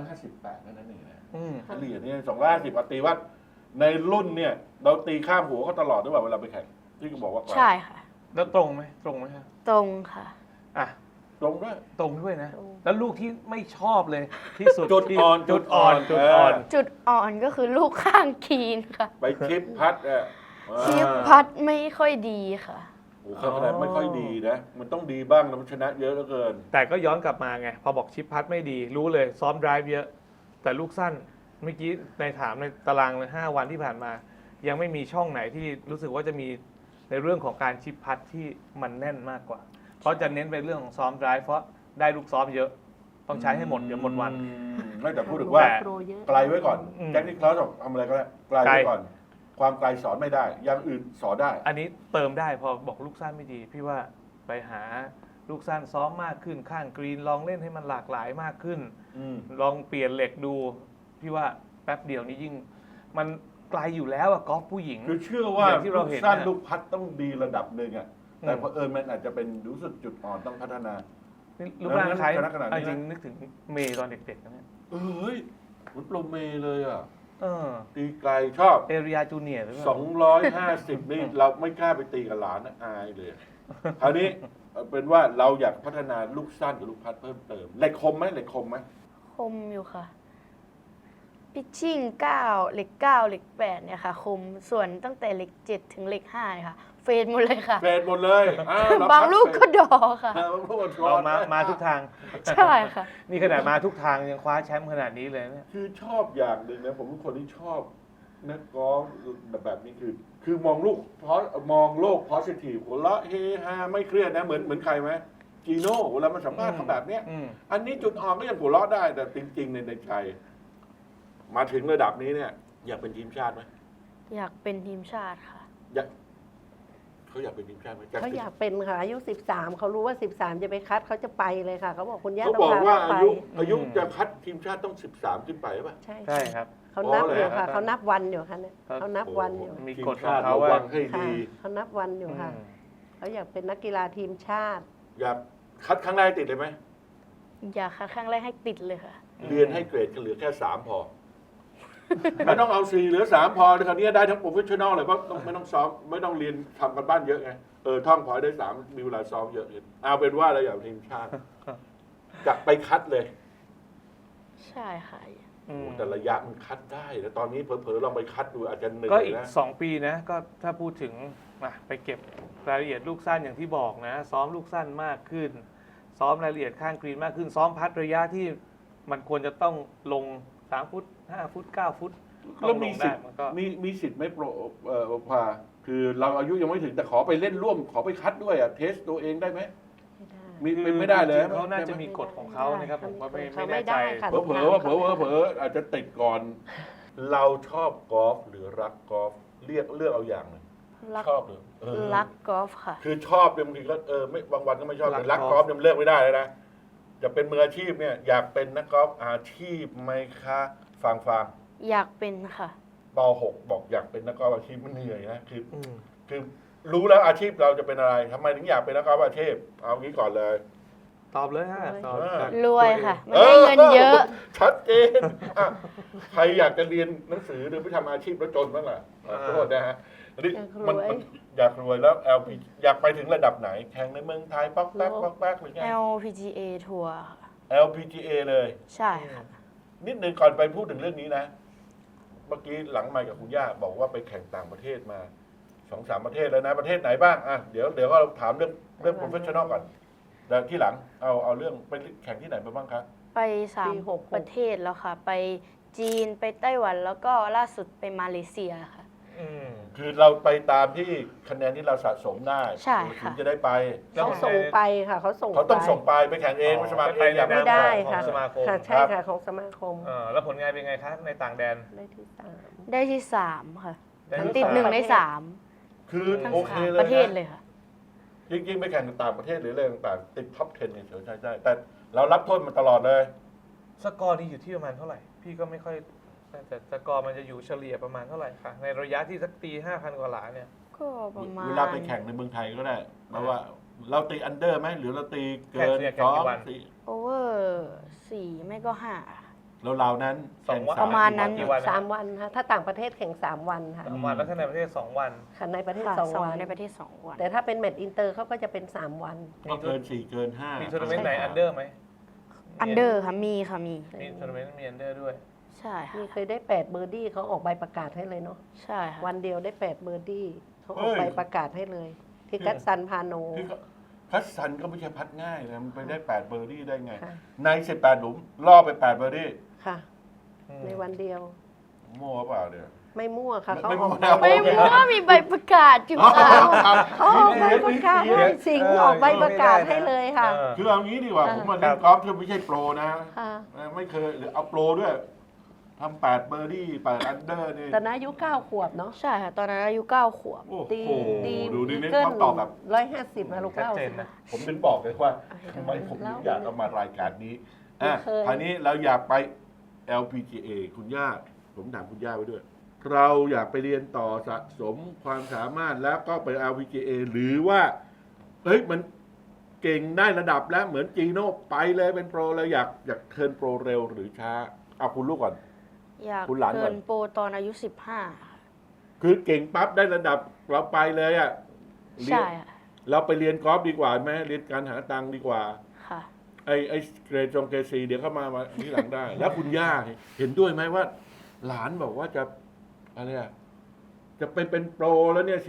Speaker 1: 258นั่นเองนะ
Speaker 3: อืม
Speaker 1: เฉลี่ยเนี่ย250ปตีว่าในรุ่นเนี่ย เราตีข้ามหัวเขาตลอดด้วยว่าเวลาไปแข่งที่ก็บอกว่าไกล
Speaker 2: ใช่ค่ะ
Speaker 3: แล้วตรงไหมตรงไหมครับ
Speaker 2: ตรงค่ะ
Speaker 3: อ่ะ
Speaker 1: ตรงด้วย
Speaker 3: ตรงด้วยนะ
Speaker 4: ตรง
Speaker 3: แล้วลูกที่ไม่ชอบเลยที่สุด
Speaker 1: จุด
Speaker 3: ที่
Speaker 1: อ่อน
Speaker 3: จุดอ่อน
Speaker 1: จุ
Speaker 3: จุ
Speaker 1: ด
Speaker 3: ด
Speaker 1: อ่
Speaker 3: อ่
Speaker 1: อ
Speaker 3: อน น
Speaker 2: จุดอ่อนก็คือลูกข้างคีนค่ะ
Speaker 1: ไปชิปพัดอ่ะ
Speaker 2: ชิปพัดไม่ค่อยดีค่ะ
Speaker 1: โอ้โหขนาดไม่ค่อยดีนะ มันต้องดีบ้างนะมันชนะเยอะเหลือเกิน
Speaker 3: แต่ก็ย้อนกลับมาไง พอบอกชิปพัดไม่ดี รู้เลยซ้อมไดรฟ์เยอะ แต่ลูกสั้น เมื่อกี้ในถามในตารางเลย5 วันที่ผ่านมา ยังไม่มีช่องไหนที่รู้สึกว่าจะมีในเรื่องของการชิปพัดที่มันแน่นมากกว่า เพราะจะเน้นไปเรื่องของซ้อมไดรฟ์เพราะได้ลูกซ้อมเยอะ ต้องใช้ให้หมดเดี๋ยวหมดวัน
Speaker 1: ไม่แต่พูดถึงว่า
Speaker 4: โปรเยอะ
Speaker 1: ไกลไว้ก่อน
Speaker 3: อืม
Speaker 1: แจ็คนิคลาสบอกทำอะไรก็ได้ไกลไว้ก่อน ความไกลสอนไม่ได้ อย่างอื่นสอนได้
Speaker 3: อันนี้เติมได้พอบอกลูกสั้นไม่ดี พี่ว่าไปหาลูกสั้นซ้อมมากขึ้นข้างกรีนลองเล่นให้มันหลากหลายมากขึ้น
Speaker 1: อืม
Speaker 3: ลองเปลี่ยนเหล็กดู พี่ว่าแป๊บเดียวนี้ยิ่ง มันไกลอยู่แล้วอะกอล์ฟผู้หญิง
Speaker 1: คือเชื่อว่า
Speaker 3: อย่างที่เราเห็น
Speaker 1: สั้น
Speaker 3: น่ะ
Speaker 1: ลูกพัดต้องดีระดับหนึ่งอ่ะ แต่
Speaker 3: อืม
Speaker 1: เผอิญมันอาจจะเป็นรู้สึกจุดอ่อนต้องพัฒนา
Speaker 3: นี่รูปร่างคล้าย
Speaker 1: ชนะขนาดนี้นะ
Speaker 3: จริงนึกถึงเมย์ตอนเด็กๆนะเนี่ย
Speaker 1: เฮ้ยมันโปรเมเลยอ่ะ
Speaker 3: เออ
Speaker 1: ตีไกลชอบ
Speaker 3: เอริยาจูเนียร์หรือเปล่า
Speaker 1: 250 นี่เราไม่กล้าไปตีกับหลานนะอายเลย คราวนี้เป็นว่าเราอยากพัฒนาลูกสั้นกับลูกพัดเพิ่มเติมเหล็กคมไหมเหล็กคมไหม
Speaker 2: คมอยู่ค่ะ พิชชิ่ง9เหล็ก9เหล็ก8เนี่ยค่ะ คม ส่วนตั้งแต่เหล็ก7ถึงเหล็ก5เนี่ยค่ะ เฟดหมดเลยค่ะ
Speaker 1: เฟดหมดเลยเร
Speaker 2: บางลูกก็
Speaker 1: พัด
Speaker 2: ดอค่ะ
Speaker 1: เฟดบางลูกก็ช็อ
Speaker 3: เรา
Speaker 1: ต
Speaker 3: มาทุกทาง
Speaker 2: ใช่ค่ะ
Speaker 3: นี่ขนาดมาทุกทางยังคว้าแชมป์ขนาดนี้เลยเนี่ย
Speaker 1: คือชอบอย่างหนึ่งนะผมเป็นคนที่ชอบนักกอล์ฟแบบนี้คือมองลูกมองโลก positive หัวเราะเฮฮาไม่เครียดนะเหมือนใครไหมจีโน่เวลามันสัมภาษณ์เขาแบบเนี้ย
Speaker 3: อืม
Speaker 1: อันนี้จุดอ่อนก็ยังหัวเราะได้แต่จริงๆในใจ มาถึงระดับนี้เนี่ย อยากเป็นทีมชาติไหม
Speaker 2: อยากเป็นทีมชาติค่ะ
Speaker 1: เขาอยากเป็นทีมชาติไหม
Speaker 4: เขาอยากเป็นค่ะอายุ 13เขารู้ว่า 13 จะไปคัดเขาจะไปเลยค่ะเขาบอกคุณย่า
Speaker 1: เขา
Speaker 4: ต้อง
Speaker 1: บอก
Speaker 4: พา
Speaker 1: ว่า
Speaker 4: เขาไป
Speaker 1: อายุจะคัดทีมชาติต้อง 13 ขึ้นไปป่ะ
Speaker 4: ใช่
Speaker 3: ใช่ครับ
Speaker 4: เขานับ
Speaker 1: อ๋อ
Speaker 4: อ
Speaker 1: เหรอ
Speaker 4: ยู่ค่ะเขานับวันอยู่ค่ะเนี่ย
Speaker 3: ครับ
Speaker 4: เขานับวันอยู่
Speaker 3: มี
Speaker 1: ที
Speaker 3: กฎของ
Speaker 1: ชาติ
Speaker 3: เขา
Speaker 1: ระ
Speaker 3: ว่า
Speaker 1: วังให้
Speaker 4: ค่ะ
Speaker 1: ดี
Speaker 4: เขานับวันอยู่ค่ะเขาอยากเป็นนักกีฬาทีมชาติ
Speaker 1: อยากคัดครั้งแรกติดเลยไหม
Speaker 2: อยากคัดครั้งแรกให้ติดเลยค่ะ
Speaker 1: เรียนให้เกรดเหลือแค่ 3 พอ ไม่ต้องเอา 4 เหลือ 3 พอคราวนี้ได้ทั้งโปรเฟชชั่นอลเลยเพราะไม่ต้องซ้อมไม่ต้องเรียนทำกันบ้านเยอะไงท่องพอได้ 3 มีเวลาซ้อมเยอะเอาเป็นว่าเราอยากเป็นทีมชาติจะไปคัดเลย
Speaker 2: ใช่ค่ะ
Speaker 3: อืม
Speaker 1: แต่ระยะมันคัดได้แต่ตอนนี้เผลอๆลองไปคัดดูอาจจะเหนื่
Speaker 3: ก็
Speaker 1: อย
Speaker 3: อีก
Speaker 1: นะ
Speaker 3: 2 ปีนะ ก็ถ้าพูดถึงไปเก็บรายละเอียดลูกสั้นอย่างที่บอกนะ ซ้อมลูกสั้นมากขึ้น ซ้อมรายละเอียดข้างกรีนมากขึ้น ซ้อมพัดระยะที่มันควรจะต้องลง3 ฟุต 5 ฟุต 9 ฟุต
Speaker 1: แล้วมีสิท
Speaker 3: ได้
Speaker 1: ธิ์
Speaker 3: มันก็
Speaker 1: มีสิทธิ์ไหม่โปรพาคือเราอายุยังไม่ถึงแต่ขอไปเล่นร่วมขอไปคัดด้วยเทสตัวเองได้ไหม
Speaker 4: ไม่ได้
Speaker 1: มีไม่ได้เลย
Speaker 3: จริงๆเขาน่าจะมีกฎของเขานะครับผมก็ไม่
Speaker 4: เขา
Speaker 3: แน่
Speaker 4: ไม่
Speaker 3: ใจ
Speaker 4: ได้ค่ะ
Speaker 1: เผลออาจจะติดก่อน เราชอบกอล์ฟหรือรักกอล์ฟเลือกเอาอย่างหนึ่ง
Speaker 2: รัก
Speaker 1: ชอบหรือ
Speaker 2: รักกอล์ฟค่ะ
Speaker 1: คือชอบเนี่ยบางทีก็ไม่บางวันก็ไม่ชอบ
Speaker 3: รัก
Speaker 1: แต่รัก
Speaker 3: ก
Speaker 1: ก
Speaker 3: อ
Speaker 1: อ
Speaker 3: ล์
Speaker 1: ล์
Speaker 3: ฟ
Speaker 1: ฟเนี่ยมันเลือกไม่ได้เลยนะจะเป็นมืออาชีพเนี่ยอยากเป็นนักกอล์ฟอาชีพไหมคะฟัง
Speaker 2: อยากเป็นค่ะ
Speaker 1: ป .6 บอกอยากเป็นนักกอล์ฟอาชีพมันเหนื่อยนะคือ
Speaker 3: อืม
Speaker 1: คือรู้แล้วอาชีพเราจะเป็นอะไรทำไมถึงอยากเป็นนักกอล์ฟอาชีพเอางี้ก่อนเลย
Speaker 3: ตอบเลยฮะตอบ
Speaker 2: รวยค่ะ ไม่ได้เงินเยอะ
Speaker 1: ชัดเจนอ่ะใครอยากจะเรียนหนังสือหรือไปทำอาชีพแล้วจนบ้างล่ะขอโทษนะฮะอันนี้มันอยากรวยแล้ว LP อยากไปถึงระดับไหน แข่งในเมืองไทยป๊อกแป๊กป๊อกแป๊กหรือไง
Speaker 2: LPGA ทัวร์ค่ะ
Speaker 1: LPGA เลย
Speaker 2: ใช่ค่ะ
Speaker 1: นิดนึงก่อนไปพูดถึงเรื่องนี้นะ เมื่อกี้หลังไมค์กับคุณย่าบอกว่าไปแข่งต่างประเทศมา 2-3 ประเทศแล้วนะ ประเทศไหนบ้างอ่ะเดี๋ยวก็ถามเรื่อง professional ก่อนเดี๋ยวที่หลังเอาเรื่องไปแข่งที่ไหนมาบ้างครับ
Speaker 2: ไปสาม
Speaker 4: ปี66
Speaker 2: ประเทศแล้วค่ะ ไปจีนไปไต้หวันแล้วก็ล่าสุดไปมาเลเซียค่ะ
Speaker 1: คือเราไปตามที่คะแนนที่เราสะสมได้
Speaker 2: ใช่ค่ะ
Speaker 1: ถึงจะได้ไป
Speaker 4: เขาส่งไปค่ะเขาส่ง
Speaker 1: เขาต้อง
Speaker 4: ไป
Speaker 1: ส่งไปแข่งเองไม่สมัครเองอย่าง
Speaker 4: ไม่ได้ค่ะ
Speaker 3: ของสมาคม
Speaker 4: ค่ะใช่ค่ะของสมาคม
Speaker 3: แล้วผลงานเป็นไงคะในต่างแดน
Speaker 4: ได้ที่สาม
Speaker 2: ได้ที่ 3 ค่ะ
Speaker 3: ได้ที่
Speaker 2: ติด
Speaker 3: สาม
Speaker 2: 1 ใน
Speaker 1: คือ
Speaker 2: 3 ทั้ง
Speaker 1: โอเค
Speaker 2: สาม
Speaker 1: เลย
Speaker 2: ประเทศ
Speaker 1: นะ
Speaker 2: เลยค่ะ
Speaker 1: ยิ่งไปแข่งต่างประเทศหรืออะไรต่างๆติดท็อป 10เนี่ยเฉยใช่แต่เรารับโทษมาตลอดเลย
Speaker 3: สกอร์นี่อยู่ที่ประมาณเท่าไหร่ พี่ก็ไม่ค่อยแต่สกอร์มันจะอยู่เฉลี่ยประมาณเท่าไหร่คะในระยะที่สักตี 5,000 กว่าหลาเนี่ย
Speaker 2: ก็ประมาณ
Speaker 1: เวลาไปแข่งในเมืองไทยก็ได้เพราะว่าเราตีอันเดอร์ไหมหรือเราตีเกิน
Speaker 3: แข่งกี่วัน
Speaker 1: 2 4
Speaker 2: โอเวอร์4ไม่ก็5
Speaker 1: เรานั้น
Speaker 3: สองวัน
Speaker 1: แข่
Speaker 2: ประมาณนั้น
Speaker 3: กี่วัน
Speaker 4: สามวันค่ะถ้าต่างประเทศแข่ง3 วันค่ะ
Speaker 3: 3 วันแล้วถ้าในประเทศ 2 วัน
Speaker 4: ค่ะในประเทศ
Speaker 2: ค่ะ
Speaker 4: 2 วัน
Speaker 2: ในประเทศ 2 วัน
Speaker 4: แต่ถ้าเป็นแมตช์อินเตอร์เขาก็จะเป็น3 วัน
Speaker 1: ก็เกิน 4 เกิน 5
Speaker 3: มีทัวร์นาเมนต์ไหน
Speaker 4: ใช่ค่ะ
Speaker 3: อันเดอร์ไหม
Speaker 2: อันเดอร์ค่ะมีค่ะมี
Speaker 3: มีทัวร์นาเมนต์มีอันเดอร์ด้วย
Speaker 2: ใช่ค่ะ
Speaker 4: มีเคยได้8เบอร์ดี้เขาออกใบประกาศให้เลยเนาะ
Speaker 2: ใช่ค่ะ
Speaker 4: วันเดียวได้8เบอร์ดี้เขาออกใบประกาศให้เลย ที่กัตซันพาโน
Speaker 1: ที่พัดสันก็ไม่ใช่พัดง่ายนะมันไปได้8เบอร์ดี้ได้ไง
Speaker 4: ค่ะ
Speaker 1: ใน18หลุมล่อไป8เบอร์ดี้
Speaker 4: ค่ะ
Speaker 3: อืม
Speaker 4: ในวันเดียว
Speaker 1: มั่วเปล่าเนี่ย
Speaker 4: ไม่มั่วค่ะเขา
Speaker 1: ไม่
Speaker 4: อ
Speaker 1: มั่
Speaker 4: อ
Speaker 1: ว
Speaker 4: ก
Speaker 1: นะ
Speaker 2: ไม่รู้ว่ามีใบประกาศอยู่ค่ะ
Speaker 4: เขาออกใบประกาศให้สิงห์ออกใบประกาศให้เลยค่ะ
Speaker 1: คือเอางี้ดีกว่า
Speaker 4: ค่ะ
Speaker 1: ผมมาเล่นกอล์ฟที่ไม่ใช่โปรนะ
Speaker 4: ค่ะ
Speaker 1: ไม่เคยหรือเอาโปรด้วยทำ8เบอร์ดี้8อันเดอร์นี่
Speaker 4: ตอนนั้นอายุ9 ขวบเนาะ
Speaker 2: ใช่ค่ะ ตอนนั้นอายุ9 ขวบ
Speaker 1: โอ้
Speaker 4: ตี
Speaker 1: โห
Speaker 4: ตี
Speaker 1: ดูดินี่
Speaker 4: เกิน
Speaker 1: เขาตอบแบบ
Speaker 4: 150นะลูก
Speaker 3: ชัด
Speaker 4: เล่า
Speaker 3: เจ
Speaker 4: สิ
Speaker 3: นนะ
Speaker 1: ผมถึงบอกเลยว่าทำไมผมถึงอยากเอามารายการนี้อ่ะ
Speaker 4: เคย
Speaker 1: คราวนี้เราอยากไป LPGA คุณย่าผมถามคุณย่าไว้ด้วย เราอยากไปเรียนต่อสะสมความสามารถแล้วก็ไป LPGA หรือว่าเฮ้ยมันเก่งได้ระดับแล้วเหมือนจีโน่ไปเลยเป็นโปรเลยอยากเทิร์นโปรเร็วหรือช้าเอาคุณลูกก่อน
Speaker 2: อยาก
Speaker 1: คุณหลานก่
Speaker 2: เกิ
Speaker 1: อน
Speaker 2: นโปรตอนอายุ 15ค่ะ
Speaker 1: คือเก่งปั๊บได้ระดับเราไปเลยอ่ะเรียน
Speaker 2: ใช่ค่ะ
Speaker 1: เราไปเรียนกอล์ฟดีกว่าไหมเรียนการหาตังค์ดีกว่า
Speaker 2: ค่ะ
Speaker 1: ไอ้เกรดเกรดซีเดี๋ยวเข้ามาที่หลังได้ แล้วคุณย่าเห็นด้วยไหมว่า หลานบอกว่าจะอะไรอะจะเป็นโปรแล้วเนี่ย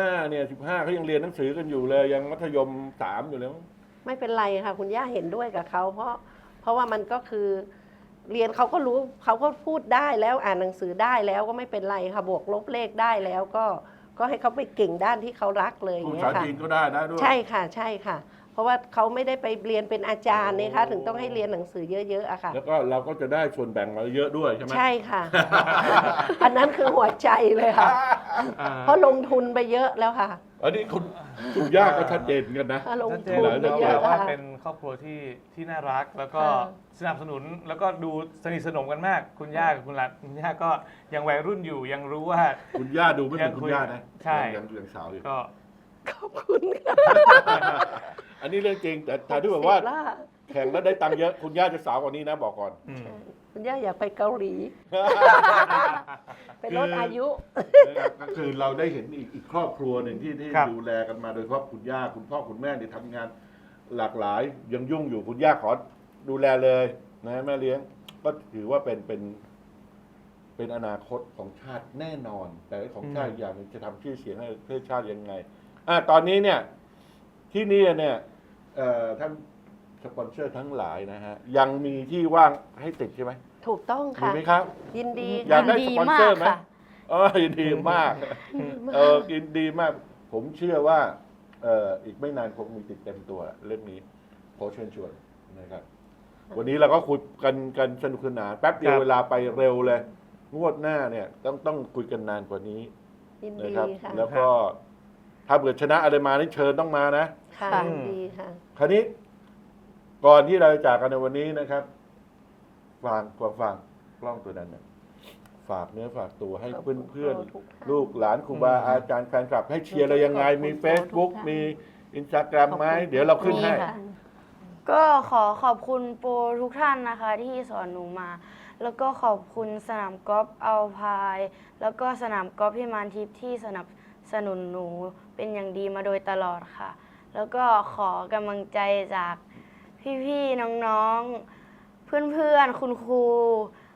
Speaker 1: 15เขายังเรียนหนังสือกันอยู่เลย ยังมัธยม3อยู่เลยมั้ง
Speaker 4: ไม่เป็นไรค่ะ คุณย่าเห็นด้วยกับเขาเพราะว่ามันก็คือเรียนเขาก็รู้เขาก็พูดได้แล้วอ่านหนังสือได้แล้วก็ไม่เป็นไรค่ะบวกลบเลขได้แล้วก็ให้เขาไปเก่งด้านที่เขารักเลยอ
Speaker 1: พูด
Speaker 4: ย่าง
Speaker 1: ภา
Speaker 4: เงี้ยค่ะ
Speaker 1: ษาจีนก็ได้นะด้วย
Speaker 4: ใช่ค่ะใช่ค่ะ เพราะว่าเขาไม่ได้ไปเรียนเป็นอาจารย์นะคะถึงต้องให้เรียนหนังสือเยอะๆอะค่ะ
Speaker 1: แล้วก็เราก็จะได้ส่วนแบ่งมาเยอะด้วยใช่ไหม
Speaker 4: ใช่ค่ะ อันนั้นคือหัวใจเลยค่ะ เพราะลงทุนไปเยอะแล้วค่ะ
Speaker 1: อันนี้คุณย่าก็ชัดเจนกันนะ
Speaker 4: ลง
Speaker 3: ชัดเจ
Speaker 4: ทุ
Speaker 3: น
Speaker 4: น
Speaker 3: แล้ว
Speaker 4: ไปเย
Speaker 3: ก็
Speaker 4: อะ
Speaker 3: ว่า
Speaker 4: ค่ะ
Speaker 3: เป็นครอบครัวที่น่ารัก แล้วก็
Speaker 4: ค่ะ
Speaker 3: สนับสนุนแล้วก็ดูสนิทสนมกันมาก คุณย่ากับคุณหลานคุณย่าก็ยังวัยรุ่นอยู่ยังรู้ว่า
Speaker 1: คุณย่าดูไม่เหมือนคุณย่านะ
Speaker 3: ใช่
Speaker 1: ยังสาวอยู่
Speaker 3: ก็
Speaker 4: ขอบคุณค่ะ
Speaker 1: อันนี้เรื่องจริงแต่ที่บอกว่า
Speaker 4: สิบละ
Speaker 1: แข่งแล้วได้ตังค์เยอะคุณย่าจะสาวกว่านี้นะบอกก่อน
Speaker 3: อืม
Speaker 4: คุณย่าอยากไปเกาหลีไปลดอายุ
Speaker 1: นะครับก็คือเราได้เห็นอีกครอบครัวหนึ่งที่
Speaker 3: ครับ
Speaker 1: ดูแลกันมาโดยเฉพาะคุณย่าคุณพ่อคุณแม่ที่ทำงานหลากหลายยังยุ่งอยู่คุณย่าขอดูแลเลยนะแม่เลี้ยงก็ถือว่าเป็นอนาคตของชาติแน่นอน แต่ของชาติอีกอย่างหนึงจะทำชื่อเสียงให้ประเทศชาติยังไงตอนนี้เนี่ยที่นี่เนี่ยท่านสปอนเซอร์ทั้งหลายนะฮะยังมีที่ว่างให้ติดใช่ไหม
Speaker 4: ถูกต้อง
Speaker 1: มี
Speaker 4: ค่ะ
Speaker 1: ไหมครับ
Speaker 4: ยินดี
Speaker 1: อยากได้
Speaker 2: ดี
Speaker 1: สปอนเซอร์ไหม
Speaker 2: มากค่ะ
Speaker 1: ยินดีมากยินดีมาก ผมเชื่อว่าอีกไม่นานคงมีติดเต็มตัวเรื่องนี้ขอเชิญชวนนะครับ วันนี้เราก็คุยกันสนุกสนานแป๊บเดียว
Speaker 3: ครับ
Speaker 1: เวลาไปเร็วเลย งวดหน้าเนี่ยต้องคุยกันนานกว่านี้
Speaker 4: ยิน
Speaker 1: นะ
Speaker 4: ดี
Speaker 1: ครับ
Speaker 4: ค่ะ
Speaker 1: แล้วก็ถ้าเกิดชนะอะไรมานี่เชิญต้องมานะ
Speaker 4: ค่ะ
Speaker 2: ค่ะ
Speaker 4: ยินดีค่ะ
Speaker 1: คราวนี้ก่อนที่เราจะจากกันในวันนี้นะครับฟังกล้องตัวนั้นนะฝากเนื้อฝากตัวให้
Speaker 4: ขอบ
Speaker 1: เพื่
Speaker 4: คุ
Speaker 1: อน
Speaker 4: ณ
Speaker 1: เพื่อน
Speaker 4: ทุกท่าน
Speaker 1: ลูกหลานครูบาอาจารย์แฟนคลับ ให้เชียร์เรายังไงมี Facebook มี Instagram ไหมเดี๋ยวเราขึ้นให้
Speaker 2: มีค่ะ ก็ขอบคุณโปรทุกท่านนะคะ ที่สอนหนูมา แล้วก็ขอบคุณสนามกอล์ฟอัลพายแล้วก็สนามกอล์ฟพิมานทิพย์ที่สนับสนุนหนูเป็นอย่างดีมาโดยตลอดค่ะ แล้วก็ขอกำลังใจจากพี่ๆน้องๆ เพื่อนๆคุณครู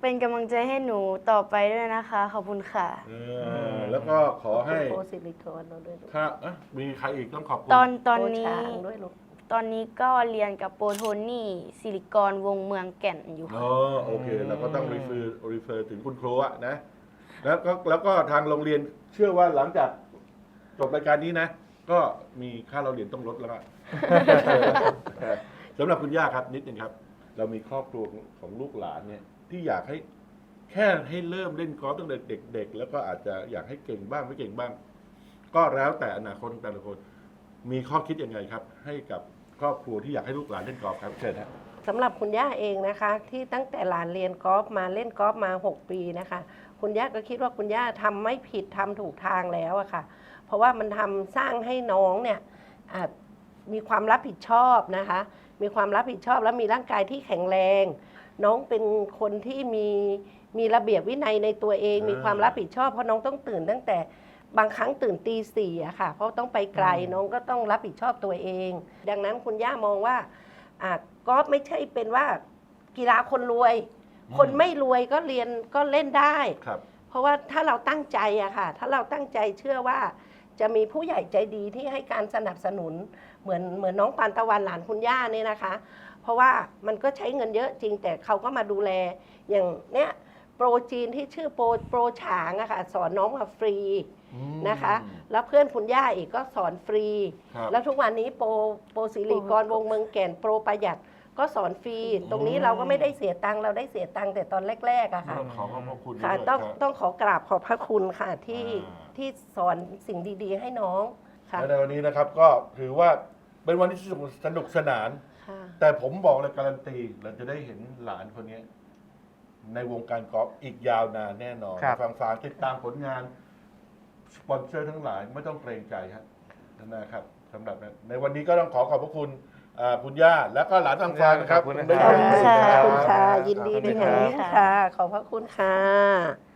Speaker 2: เป็นกำลังใจให้หนูต่อไปด้วยนะคะ ขอบคุณค่ะ
Speaker 1: แล้วก็ขอให้
Speaker 4: โปรซิลิคอนเราด้วยลูก
Speaker 1: ถ้ามีใครอีกต้องขอบคุณ
Speaker 2: ตอน
Speaker 4: โปร
Speaker 2: นี้
Speaker 4: ช้างด้วยลูก
Speaker 2: ตอนนี้ก็เรียนกับโปรโทนี่สิริกรวงเมืองแก่นอยู่ค่ะ
Speaker 1: อ๋อโอเคเราก็ต้องรีเฟอร์ถึงคุณครูอะนะ แล้วก็ทางโรงเรียนเชื่อว่าหลังจากจบรายการนี้นะ ก็มีค่าเราเรียนต้องลดแล้วก็ สำหรับคุณย่าครับนิดนึงครับ เรามีครอบครัวของลูกหลานเนี่ย ที่อยากให้แค่ให้เริ่มเล่นกอล์ฟตั้งแต่เด็กๆแล้วก็อาจจะอยากให้เก่งบ้างไม่เก่งบ้าง ก็แล้วแต่อนาคตของแต่ละคน มีข้อคิดยังไงครับ ให้กับครอบครัวที่อยากให้ลูกหลานเล่นกอล์ฟครับเชิญครับ
Speaker 4: สำหรับคุณย่าเองนะคะ ที่ตั้งแต่หลานเรียนกอล์ฟมาเล่นกอล์ฟมา 6 ปีนะคะ คุณย่าก็คิดว่าคุณย่าทำไม่ผิดทำถูกทางแล้วอะค่ะ เพราะว่ามันทำสร้างให้น้องเนี่ยมีความรับผิดชอบนะคะ มีความรับผิดชอบและมีร่างกายที่แข็งแรง น้องเป็นคนที่มีระเบียบวินัยในตัวเอง มีความรับผิดชอบเพราะน้องต้องตื่นตั้งแต่บางครั้งตื่นตี 4อะค่ะ เพราะต้องไปไกลน้องก็ต้องรับผิดชอบตัวเอง ดังนั้นคุณย่ามองว่ากอล์ฟไม่ใช่เป็นว่ากีฬาคนรวย คนไม่รวยก็เรียนก็เล่นได้
Speaker 1: ครับ
Speaker 4: เพราะว่าถ้าเราตั้งใจอะค่ะ ถ้าเราตั้งใจเชื่อว่าจะมีผู้ใหญ่ใจดีที่ให้การสนับสนุนเหมือนน้องปานตะวันหลานคุณย่าเนี่ยนะคะ เพราะว่ามันก็ใช้เงินเยอะจริงแต่เขาก็มาดูแลอย่างเนี้ยโปรจีนที่ชื่อโปรฉางอะค่ะสอนน้องมาฟรีนะคะ แล้วเพื่อนคุณย่าอีกก็สอนฟรี
Speaker 1: ครับ
Speaker 4: แล้วทุกวันนี้โปรสิริกรวงเมืองแก่นโปรประหยัดก็สอนฟรี ตรงนี้เราก็ไม่ได้เสียตังค์เราได้เสียตังค์แต่ตอนแรกๆอะค่ะ
Speaker 1: ขอขอบพระคุณ
Speaker 4: ค่ะ
Speaker 1: ด้วย
Speaker 4: ต้องขอกราบขอบพระคุณค่ะที่
Speaker 1: อ่า
Speaker 4: ที่สอนสิ่งดีๆ ให้น้องค่ะ
Speaker 1: และในวันนี้นะครับก็ถือว่าเป็นวันที่สนุกสนาน
Speaker 4: ค่ะ
Speaker 1: แต่ผมบอกเลยการันตีเราจะได้เห็นหลานคนนี้ ในวงการกอล์ฟอีกยาวนานแน่นอน
Speaker 3: ครับ
Speaker 1: ฟังติดตามผลงาน สปอนเซอร์ทั้งหลายไม่ต้องเกรงใจครับนะครับสำหรับในวันนี้ก็ต้องขอบพระคุณคุณย่าและก็หลานฟังนะครับ
Speaker 3: ขอบคุณนะ
Speaker 1: ได้
Speaker 3: ครั
Speaker 4: ขอบคุณค่ะ
Speaker 1: รับ
Speaker 4: ขอบคุณค่ะ ยินดีเป็นอย่างยิ่งค่ะ ขอบพระคุณค่ะ